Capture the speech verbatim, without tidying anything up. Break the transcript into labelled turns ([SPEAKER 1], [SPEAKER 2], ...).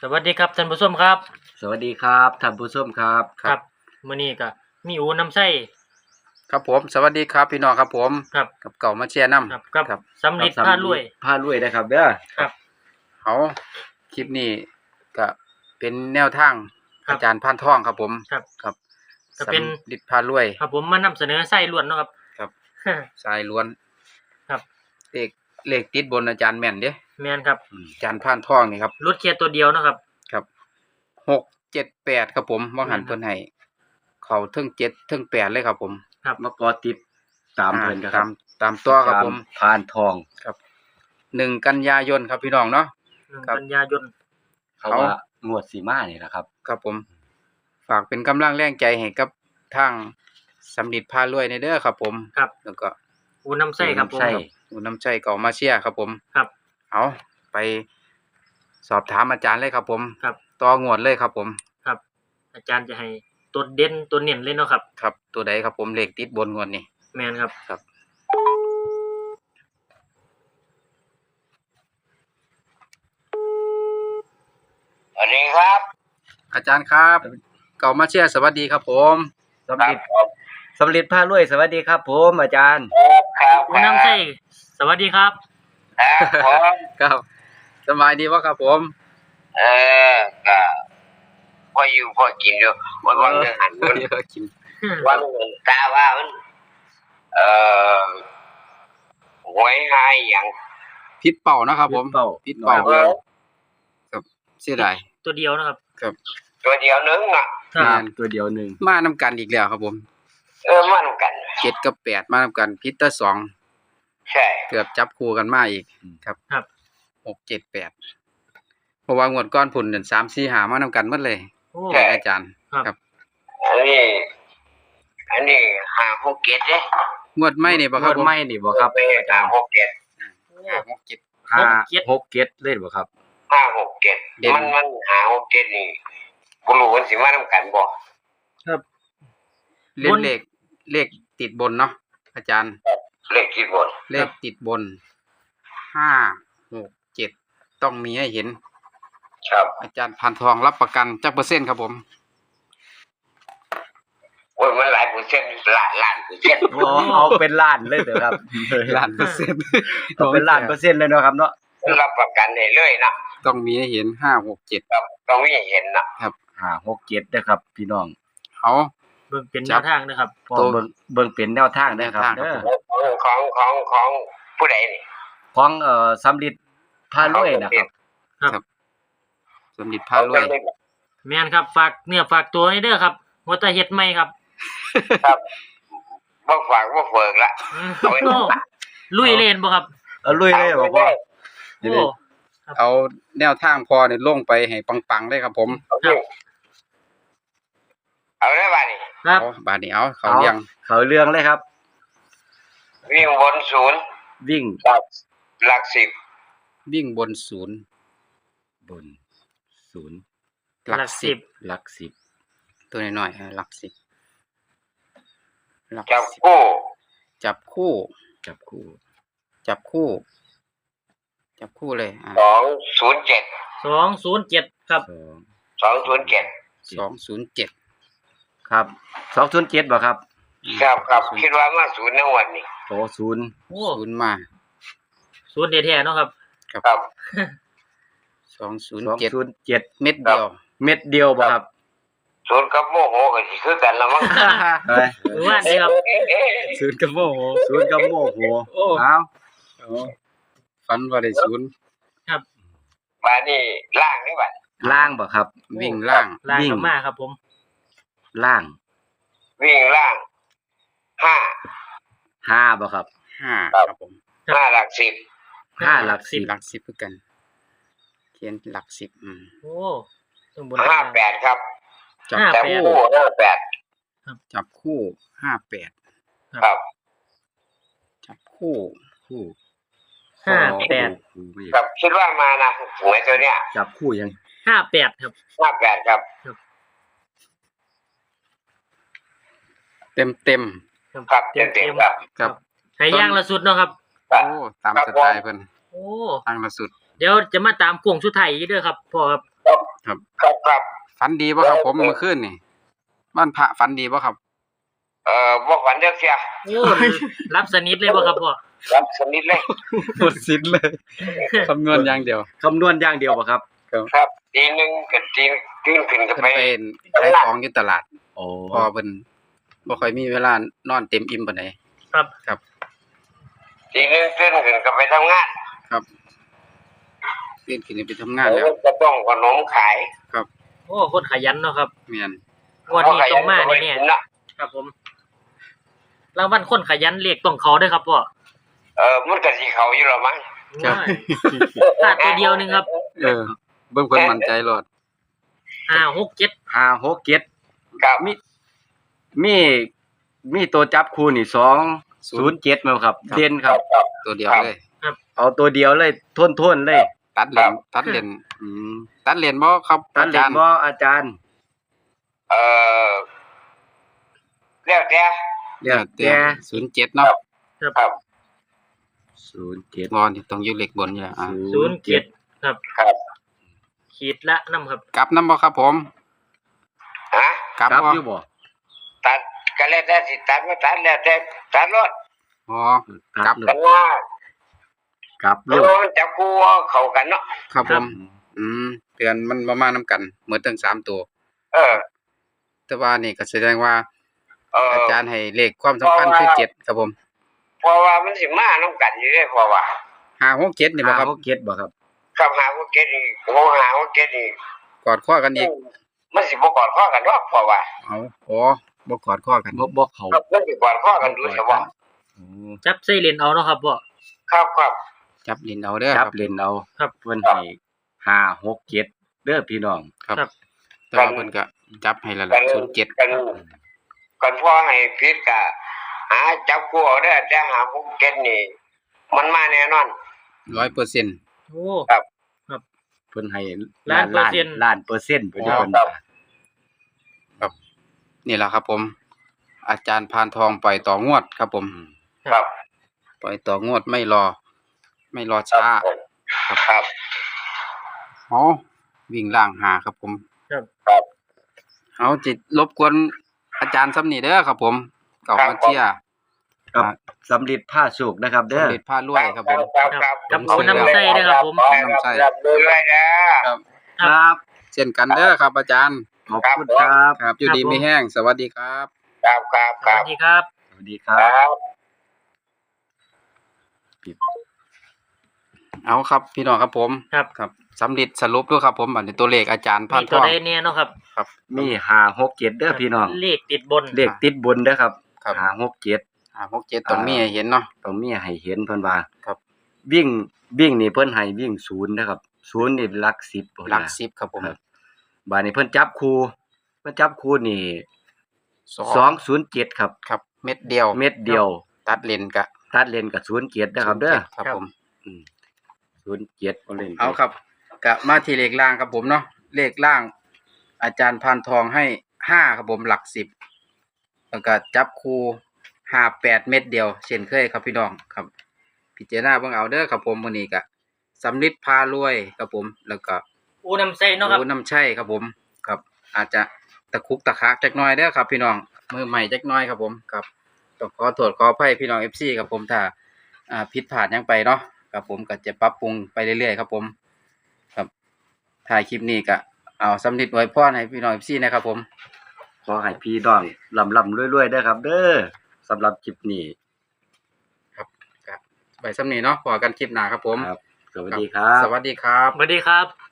[SPEAKER 1] สวัสดีครับท่านผู้ชมครับ
[SPEAKER 2] สวัสดีครับท่านผู้ชมครับ
[SPEAKER 1] ครับมื้อนี้ก็มีอูน้ำไส้
[SPEAKER 3] ครับผมสวัสดีครับพี่น้องครับผม
[SPEAKER 1] ครับ
[SPEAKER 3] กับเก่ามาเชียร์น้ำ
[SPEAKER 1] ครับครับสำลิด
[SPEAKER 2] ครับ
[SPEAKER 1] พารวย
[SPEAKER 2] พารวยนะครับเด้อ
[SPEAKER 1] ครับ
[SPEAKER 3] เอาคลิปนี้ก็เป็นแนวทาง
[SPEAKER 1] ครับ
[SPEAKER 3] อาจารย์พานทองครับผม
[SPEAKER 1] ครับ
[SPEAKER 3] ครับ
[SPEAKER 1] ก็เป็น
[SPEAKER 3] สำลิดพารวย
[SPEAKER 1] ครับผมมานำเสนอไส้ล้วนเนาะครับ
[SPEAKER 3] ครับ สายล้วน
[SPEAKER 1] ครับ
[SPEAKER 3] เลขเลขติดบนอาจารย์แม่นเด้
[SPEAKER 1] แม่นครับ
[SPEAKER 3] อืมอาจารย์พานทองนี่ครับ
[SPEAKER 1] รถเคียร์ตัวเดียวเนาะครับ
[SPEAKER 3] ครับหกเจ็ดแปดครับผมว่างหัน
[SPEAKER 1] แม่นครับ
[SPEAKER 3] เพิ่นให้เขาเทิงเจ็ดเทิงแปดเลยครับผม
[SPEAKER 1] ครับ
[SPEAKER 2] มากอติดตามเพิ่น
[SPEAKER 3] อ่
[SPEAKER 2] ครั
[SPEAKER 3] ตา
[SPEAKER 2] บ
[SPEAKER 3] มตามตัวครับผม
[SPEAKER 2] พานทอง
[SPEAKER 3] ครับหนึ่งกันยายนครับพี่น้องเนาะ
[SPEAKER 1] หนึ่ง
[SPEAKER 3] ครับ
[SPEAKER 1] กันยายน
[SPEAKER 2] เขา
[SPEAKER 3] เอา
[SPEAKER 2] ว่างวดสีมานี่แหละครับ
[SPEAKER 3] ครับผม ฝากเป็นกำลังแรงใจให้กับทางสำลิดพารวยในเด้อครับผม
[SPEAKER 1] ครับ
[SPEAKER 3] แล้วก็
[SPEAKER 1] อูน้ำไส้ครับผม
[SPEAKER 2] ใช่
[SPEAKER 3] อุน้ำใจเก่ามาเชียร์ครับผม
[SPEAKER 1] ครับ
[SPEAKER 3] เอาไปสอบถามอาจารย์เลยครับผม
[SPEAKER 1] ครับ
[SPEAKER 3] ต่องวดเลยครับผม
[SPEAKER 1] ครับ อาจารย์จะให้ตัวเด่นตัวเน้นเลยเนาะครับ
[SPEAKER 3] ครับตัวใดครับผมเลขติดบนงวดนี้
[SPEAKER 1] แม่นครับ
[SPEAKER 3] ครับ
[SPEAKER 4] สวัสดีครับ
[SPEAKER 3] อาจารย์ครับ เก่ามาเชียร์สวัสดีครับผม
[SPEAKER 2] สำลิดสำลิดพารวยสวัสดีครับ ผม อาจารย์
[SPEAKER 4] ครับ
[SPEAKER 1] อูน้ำไส้สวัสดีครับ
[SPEAKER 4] ครับผม
[SPEAKER 3] ครับสบายดีวะครับผม
[SPEAKER 4] เออก็พออยู่พอกินอยู่วันวันเรื่องหันมัน
[SPEAKER 3] เยอะกิน
[SPEAKER 4] วันหนึ่งตาว่ามันเอ่อหวยหายอย่าง
[SPEAKER 3] พิษเป่านะครับผม
[SPEAKER 2] เป้า
[SPEAKER 3] พิษเป่า
[SPEAKER 4] เออ
[SPEAKER 3] ครับเสียดาย
[SPEAKER 1] ตัวเดียวนะครับ
[SPEAKER 3] ครับ
[SPEAKER 4] ตัวเดียวนึงอ่ะ
[SPEAKER 1] ครับ
[SPEAKER 2] งานตัวเดียวหนึ่ง
[SPEAKER 3] มานํกันอีกแล้วครับผม
[SPEAKER 4] เออมันกัน
[SPEAKER 3] เจ็ดกับแปดมานํกันพิษตะสอง
[SPEAKER 4] ใช่
[SPEAKER 3] เกือบจับคู่กันมาอีกครับ
[SPEAKER 1] ครับ
[SPEAKER 3] หกเจ็ดแปดเพราะว่างวดก้อนผุนเดือนสามสี่หามานำกันหมดเลย
[SPEAKER 1] โอ้
[SPEAKER 3] แต่อาจารย์
[SPEAKER 1] ครับ
[SPEAKER 3] ครับ
[SPEAKER 4] อันนี้อันนี้หาหกเกตเด้
[SPEAKER 3] งวดไม่นี่บ่
[SPEAKER 2] ง
[SPEAKER 3] ครั
[SPEAKER 2] ว
[SPEAKER 3] บ
[SPEAKER 2] ด
[SPEAKER 3] ผม
[SPEAKER 2] ไม่นี่บ่ครับ
[SPEAKER 4] ไปหาหกเกต
[SPEAKER 3] ห้าหกเจ็ด
[SPEAKER 2] ห้า
[SPEAKER 1] หกเจ็ด
[SPEAKER 2] หกเจ็ดเล่นบ่ครับ
[SPEAKER 4] ห้าหกเกต
[SPEAKER 3] เด่น
[SPEAKER 4] มันมันหาหกเกตนี่บ่รู้มันสิมานํกันบ่
[SPEAKER 1] ครับ
[SPEAKER 3] เล่
[SPEAKER 1] บ
[SPEAKER 3] น
[SPEAKER 1] น
[SPEAKER 3] เลขเลขติดบนเนาะอาจารย์
[SPEAKER 4] เลขที่บน
[SPEAKER 3] เลขติดบนห้าหกเจ็ดต้องมีให้เห็น
[SPEAKER 4] ครับ
[SPEAKER 3] อาจารย์พันทองรับประกันจักเปอร์เซ็นต์ครับผม
[SPEAKER 4] โอ้ยมันหลายเปอร์เซ็นต์ล้านล้านเปอร์เซ็นต์
[SPEAKER 2] โอ้เอาเป็นล้านเลยเถอะครับ
[SPEAKER 3] ล้านเปอร์เซ็นต์
[SPEAKER 2] เอาเป็นล้านเปอร์เซ็นต์เลยเนาะครับเนาะ
[SPEAKER 4] รับประกันได้เลยนะ
[SPEAKER 3] ต้องมีให้เห็นห้าหกเจ็ด
[SPEAKER 4] ครับต้องมีเห็นนะ
[SPEAKER 2] ห้าหกเจ็ดนะครับ พี่น้อง
[SPEAKER 3] เอา
[SPEAKER 1] เบิ่งเป็นแน
[SPEAKER 3] จับ
[SPEAKER 1] วทางนะครับ
[SPEAKER 2] พอเบิ่งเบิ่งเป็นแนวทางได้อครับ
[SPEAKER 3] แนวทางครับ
[SPEAKER 2] เด้อ
[SPEAKER 4] ของของของผู้ใดนี่
[SPEAKER 2] ของเอ่อสำลิดพารวยนะครับ
[SPEAKER 3] สมเด็จพารวย
[SPEAKER 1] แม่นครับฝากเนื้อฝากตัวนี่เด้อครับหัวตาเฮ็ดใหม่ครับ
[SPEAKER 4] ครับบ่ฝากบ่เฟิกละ
[SPEAKER 1] อืม
[SPEAKER 4] เอาไว้
[SPEAKER 1] โอ้ลุยเล่นบ่ครับ
[SPEAKER 2] เอาลุยเลยบ่พ่อ
[SPEAKER 1] โอ้
[SPEAKER 3] เอาแนวทางพอเนี่ยลงไปให้ปังๆได้ครับผม
[SPEAKER 4] เอาดิเอาได้ป่ะนี่
[SPEAKER 1] ครับ
[SPEAKER 3] เอาบาดนี้เอาเขา
[SPEAKER 2] เอา
[SPEAKER 3] เลี้ยง
[SPEAKER 2] เขาเรื่องเลยครับ
[SPEAKER 4] วิ่งบนศูนย์
[SPEAKER 2] วิ่ง
[SPEAKER 4] หลักหลักสิบ
[SPEAKER 3] วิ่งบนศูนย์
[SPEAKER 2] บนศูนย์
[SPEAKER 3] หลักสิบ
[SPEAKER 2] หลักสิบ
[SPEAKER 3] ตัวน้อยๆอ่ะหลักสิบหลัก
[SPEAKER 4] จับ
[SPEAKER 3] สิบ
[SPEAKER 4] คู่
[SPEAKER 3] จับคู่
[SPEAKER 2] จับคู่
[SPEAKER 3] จับคู่ จับคู่เลยอ่า
[SPEAKER 4] สองศูนย์เจ็ด
[SPEAKER 1] สองศูนย์เจ็ดครับ
[SPEAKER 2] สอง
[SPEAKER 4] สองศูนย์เจ็ด
[SPEAKER 3] สองศูนย์เจ็ด
[SPEAKER 2] ครับสองศูนย์เจ็ดบ่ครับ
[SPEAKER 4] ครับครับคิดว่ามาศูนย์ในวันนี้
[SPEAKER 2] โอ้ศูนย์
[SPEAKER 1] โอ้
[SPEAKER 3] ศูนย์มา
[SPEAKER 1] ศูนย์แท้ๆเนาะครับ
[SPEAKER 4] ครับ
[SPEAKER 3] สองศูนย์
[SPEAKER 2] สอง
[SPEAKER 3] เจ็ด
[SPEAKER 2] ศูนย์เจ็ด
[SPEAKER 3] เม็ดเดียว
[SPEAKER 2] เม็ดเดียวบ่ครับ
[SPEAKER 4] ศูนย์กับโมโหก็สิคือกันละมั้ง
[SPEAKER 2] เอ้ย
[SPEAKER 1] หรือว่านี่ครับ
[SPEAKER 3] ศูนย์กับโมโห
[SPEAKER 2] ศูนย์กับโมโห
[SPEAKER 3] โอ้
[SPEAKER 2] เอา
[SPEAKER 3] ฟันว่าได้ศูนย์
[SPEAKER 4] มานี่ล่างนี่บัด
[SPEAKER 2] ล่างบ่ครับ
[SPEAKER 3] วิ่งล่าง
[SPEAKER 1] ลาย
[SPEAKER 2] วิ่ง
[SPEAKER 1] กลับมาครับผม
[SPEAKER 2] ล่าง
[SPEAKER 4] วิ่งล่างห้า
[SPEAKER 2] ห้าบ่ครับ
[SPEAKER 3] ห้าครับผม
[SPEAKER 4] ห้าหลักสิบ
[SPEAKER 2] ห้าหลักสิบ
[SPEAKER 3] หลักสิบคือกัน เขียนหลักสิบอืม
[SPEAKER 1] โอ้ต้องบน
[SPEAKER 4] ห้าแปดครับ
[SPEAKER 3] จับ
[SPEAKER 1] ห้า
[SPEAKER 4] จับ
[SPEAKER 1] แปด
[SPEAKER 4] คู่ห้าแปด
[SPEAKER 3] จับคู่ห้าแปด
[SPEAKER 4] ครับ
[SPEAKER 3] จับคู่
[SPEAKER 2] คู่
[SPEAKER 1] ห้าแปด
[SPEAKER 2] คู่ไม่
[SPEAKER 4] ครับคิดว่ามานะหวยตัวเนี้ย
[SPEAKER 2] จับคู่ยัง
[SPEAKER 1] ห้าแปดครับ
[SPEAKER 4] ห้าแปดครับ
[SPEAKER 3] เต็มเต็ม
[SPEAKER 4] ครับเต็มเต็มครับ
[SPEAKER 3] ๆครับ
[SPEAKER 1] ให้ย่างละสุดเนาะครับ
[SPEAKER 3] โอ้ตามสไตล์เพิ่น
[SPEAKER 1] โอ้
[SPEAKER 3] ทางละสุด
[SPEAKER 1] เดี๋ยวจะมาตามกวงสุดไทยอีกเด้อครับพ่อครับ
[SPEAKER 3] ครับ
[SPEAKER 4] ครับครับ
[SPEAKER 3] ฝันดีบ่ครับผมเมื่อคืนนี่บ้านพระฝันดีบ่ครับ
[SPEAKER 4] เอ่อบ่ฝันเด้อเสีย
[SPEAKER 1] โอ้รับสนิทเลยบ่ครับพ่อ
[SPEAKER 4] รับสนิทเลย
[SPEAKER 2] หมดสิ้นเลย
[SPEAKER 3] คำนวณอย่างเดียว
[SPEAKER 2] คำนวณอย่างเดียวบ่ครับ
[SPEAKER 4] ครับตีหนึงกับตีตื่นขึ้นก็
[SPEAKER 3] เพิ่น
[SPEAKER 4] ไป
[SPEAKER 3] เป็นขายของอยู่ตลาด
[SPEAKER 2] โอ้
[SPEAKER 3] พอเพิ่นบ่ค่อยมีเวลานอนเต็มอิ่มปานใด
[SPEAKER 1] ครับ
[SPEAKER 3] ครับ
[SPEAKER 4] ตีหนึงตื่นขึ้นก็ไปทำงาน
[SPEAKER 3] ครับตื่นขึ้นไปทำงานแล้ว
[SPEAKER 4] ก็ต้องขนมขาย
[SPEAKER 1] โอ้คนขยันเนาะครับ
[SPEAKER 3] แม่น
[SPEAKER 1] งวันนี้ต้องมา
[SPEAKER 4] เพระ
[SPEAKER 1] แน่
[SPEAKER 4] ขยัเนาะ
[SPEAKER 1] ๆครับผมรางวัลคนขยันเลขต้องเขาด้วยครับพ่อ
[SPEAKER 4] เออมันก็สิเขาอยู่หรอมั้ง
[SPEAKER 3] ครับ
[SPEAKER 1] พลาดตัวเดียวหนึงครับ
[SPEAKER 3] เออเบิ่งเพิ่นมั่นใจโลด
[SPEAKER 1] ห้าหกเจ็ด
[SPEAKER 2] ห้าหกเจ็ด
[SPEAKER 4] ครับ
[SPEAKER 2] มีมีมีตัวจับคู่นี่สองศูนย์เจ็ดมั้งครับ เด่นครับ
[SPEAKER 4] ครับ
[SPEAKER 3] ตัวเดียวเลย
[SPEAKER 2] เอาตัวเดียวเลยทวนๆเลย
[SPEAKER 3] ตัดเลนตัดเลนอืมตัดเลนบ่ครับ
[SPEAKER 2] ตัดเล่น
[SPEAKER 3] อาจารย์
[SPEAKER 2] บ่อาจารย์
[SPEAKER 4] เออแล้วแต่
[SPEAKER 2] เดี๋ยวแต่
[SPEAKER 3] ศูนย์เจ็ดเนาะ
[SPEAKER 4] ครับ
[SPEAKER 2] ศูนย์เจ็ด
[SPEAKER 3] งอนนี่ต้องอยู่เลขบนอยู่แล้วอ่า
[SPEAKER 1] ศูนย์เจ็ดครับ
[SPEAKER 4] ครับ
[SPEAKER 1] ขีดละน้ำครับ
[SPEAKER 3] กลับนำบ่ครับผม
[SPEAKER 4] ฮะ
[SPEAKER 3] กลับ
[SPEAKER 2] ครับ
[SPEAKER 3] บ่
[SPEAKER 2] อยู่บ่
[SPEAKER 4] ตัดก็แล้วแต่สิตัดบ่ตัดแล้วแต่ตัดรถ
[SPEAKER 3] อ๋อ
[SPEAKER 2] ค
[SPEAKER 3] ครั
[SPEAKER 2] รับบ
[SPEAKER 4] กันว่า
[SPEAKER 2] ครับ
[SPEAKER 4] เพ
[SPEAKER 2] ลู
[SPEAKER 4] ราะ
[SPEAKER 2] ก
[SPEAKER 4] ว่ามันจับคู่เข้ากันเนาะ
[SPEAKER 3] ครับผม อืมเตือนมันบ่มานํกันเหมือนทั้งสามตัว
[SPEAKER 4] เออ
[SPEAKER 3] แต่ว่านี่ก็แสดงว่า
[SPEAKER 4] เออ
[SPEAKER 3] อาจารย์ให้เลขความสำคัญคือเจ็ดครับผม
[SPEAKER 4] เพราะว่ามันสิมานํกันอยู่เด้เพราะว่า
[SPEAKER 3] ห้าหกเจ็ดนี่บ่ครับ
[SPEAKER 2] ห้าหกเจ็ดบ่ครับ
[SPEAKER 4] กับหาว่าเกตนี่โหหาว่าเกตนี่
[SPEAKER 3] กอดข้อกันอีก
[SPEAKER 4] มันสิบ่กอดข้อกันดอกเพราะว่า
[SPEAKER 3] เอาอ๋อบ่กอดข้อกัน
[SPEAKER 2] บ่บ่เขา
[SPEAKER 4] ครับมันสิกอดข้อกันดูเฉพาะ
[SPEAKER 2] โอ้
[SPEAKER 1] จับใส่เลนเอาเนาะครับพ่อ
[SPEAKER 4] ครับครับ
[SPEAKER 3] จับลิ้นเอาเด้อ
[SPEAKER 2] จั
[SPEAKER 3] ค
[SPEAKER 2] บ
[SPEAKER 3] รับ
[SPEAKER 2] เล่นเอา
[SPEAKER 1] ครับ
[SPEAKER 2] เพิ่นให้ห้าหกเจ็ดเด้อพี่น้อง
[SPEAKER 3] ครับ
[SPEAKER 1] ครับ
[SPEAKER 3] แต่ว่าเพิ่นก็จับให้แล้วล่ะศูนย์เจ็ด
[SPEAKER 4] กันกันพ่อให้ผิดก็หาจับคู่เอาเด้อแต่หาพวกเกตนี่ มันมาแน่นอน
[SPEAKER 3] ร้อยเปอร์เซ็นต์
[SPEAKER 1] โอ้
[SPEAKER 2] เพิ่นให้
[SPEAKER 1] ล้านเปอร์เซ็นต์
[SPEAKER 2] ล้านเปอร์เซ็นต์เพิ่นเด้อ
[SPEAKER 3] อ๋อ
[SPEAKER 2] เพิ่นว่า
[SPEAKER 3] นี่แหละครับผม อาจารย์พานทองปล่อยต่องวดครับผม
[SPEAKER 4] ครับ
[SPEAKER 3] ปล่อยต่องวดไม่รอ ไม่รอช้า
[SPEAKER 4] ครับ
[SPEAKER 3] อ๋อวิ่งล่างหาครับผม
[SPEAKER 4] ครับ
[SPEAKER 3] เอาจิตรบกวนอาจารย์ซ้ำนี่เด้อครับผมเก่ามาเชียร์
[SPEAKER 2] กับสำลิดผ้าสุกนะครับเด้อ
[SPEAKER 3] สำเร็จผ้ารวยครับผม
[SPEAKER 4] ครับครับ
[SPEAKER 1] กับเอาน้ำใส่ด้วยครับผม
[SPEAKER 4] ครับครับดูด้วยนะ
[SPEAKER 3] ครับ
[SPEAKER 2] ครับ
[SPEAKER 3] เช่นกันเด้อครับ อาจารย์
[SPEAKER 2] ขอบคุณครับ
[SPEAKER 3] ครับอยู่ดีไม่แห้งสวัสดีครับ
[SPEAKER 4] ครับครับ
[SPEAKER 1] ส
[SPEAKER 4] ครั
[SPEAKER 1] วั
[SPEAKER 4] บ
[SPEAKER 1] สดีครับ
[SPEAKER 2] สวัสดีครั
[SPEAKER 4] ครับ บ
[SPEAKER 3] เอาครับพี่น้องครับผม
[SPEAKER 1] ครับ
[SPEAKER 3] ครับสำเร็จสรุปด้วยครับผมอันนี้ตัวเลขอาจารย์พา
[SPEAKER 1] มี
[SPEAKER 3] นท
[SPEAKER 1] ตัว
[SPEAKER 3] อง
[SPEAKER 1] ใดเนี่ยเนาะครับ
[SPEAKER 3] ครับ
[SPEAKER 2] มีห้าหกเจ็ดเด้อพี่น้อง
[SPEAKER 1] เลขติดบน
[SPEAKER 2] เลขติดบนเด้อครับ
[SPEAKER 3] ครับ
[SPEAKER 2] ห้าหกเจ็ด
[SPEAKER 3] อ่าหกเจ็ดต้องมีให้เห็นเนาะ
[SPEAKER 2] ต้องมีให้เห็นเพิ่นว่า
[SPEAKER 3] ครับ
[SPEAKER 2] วิ่งวิ่งนี่เพิ่นให้วิ่งศูนย์นะครับศูนย์นี่หลักสิบพุ่น
[SPEAKER 3] หลัก
[SPEAKER 2] น่ะ
[SPEAKER 3] สิบครับผม
[SPEAKER 2] ครับ บาดนี้เพิ่นจับคู่เพิ่นจับคู่นี่
[SPEAKER 3] สอง
[SPEAKER 2] สองศูนย์เจ็ดครับ
[SPEAKER 3] ครับ เม็ดเดียว
[SPEAKER 2] เม็ดเดียว
[SPEAKER 3] ตัดเลนกะ
[SPEAKER 2] ตัดเลนกับศูนย์เจ็ดนะครับเด้อ
[SPEAKER 3] ครับผม
[SPEAKER 2] ศูนย์เจ็ดบ่เล่น
[SPEAKER 3] เอาครับกะมาที่เลขล่างครับผมเนาะเลขล่าง อาจารย์พานทองให้ห้าครับผมหลักสิบแล้วก็จับคู่ห้าแปดเม็ดเดียว เช่นเคยครับพี่น้องครับ พิจารณาเบิ่งเอาเด้อครับผมมื้อนี้ก็สำลิดพารวยครับผม แล้วก็
[SPEAKER 1] อูน้ำใส่เนาะครับ
[SPEAKER 3] โอ้น้ำใช่ครับผมครับ อาจจะตะคุกตะคักจักหน่อยเด้อครับ พี่น้องมือใหม่จักหน่อยครับผมครับต้องขอโทษขออภัยพี่น้อง เอฟ ซี ครับผมถ้าอ่าผิดพลาดหยังไปเนาะครับผมก็จะปรับปรุงไปเรื่อยๆครับผม ครับถ่ายคลิปนี้ก็เอาสำลิดอวยพรให้พี่น้อง เอฟ ซี นะครับผม
[SPEAKER 2] ขอให้พี่น้องลำๆรวยๆเด้อครับ เด้อสำหรับคลิปนี้
[SPEAKER 3] ไปสำนี้เนาะพอกันคลิปหน้าครับผม
[SPEAKER 2] ครับ สวัสดีครับ
[SPEAKER 3] สวัสดีครับ
[SPEAKER 1] สวัสดีครับ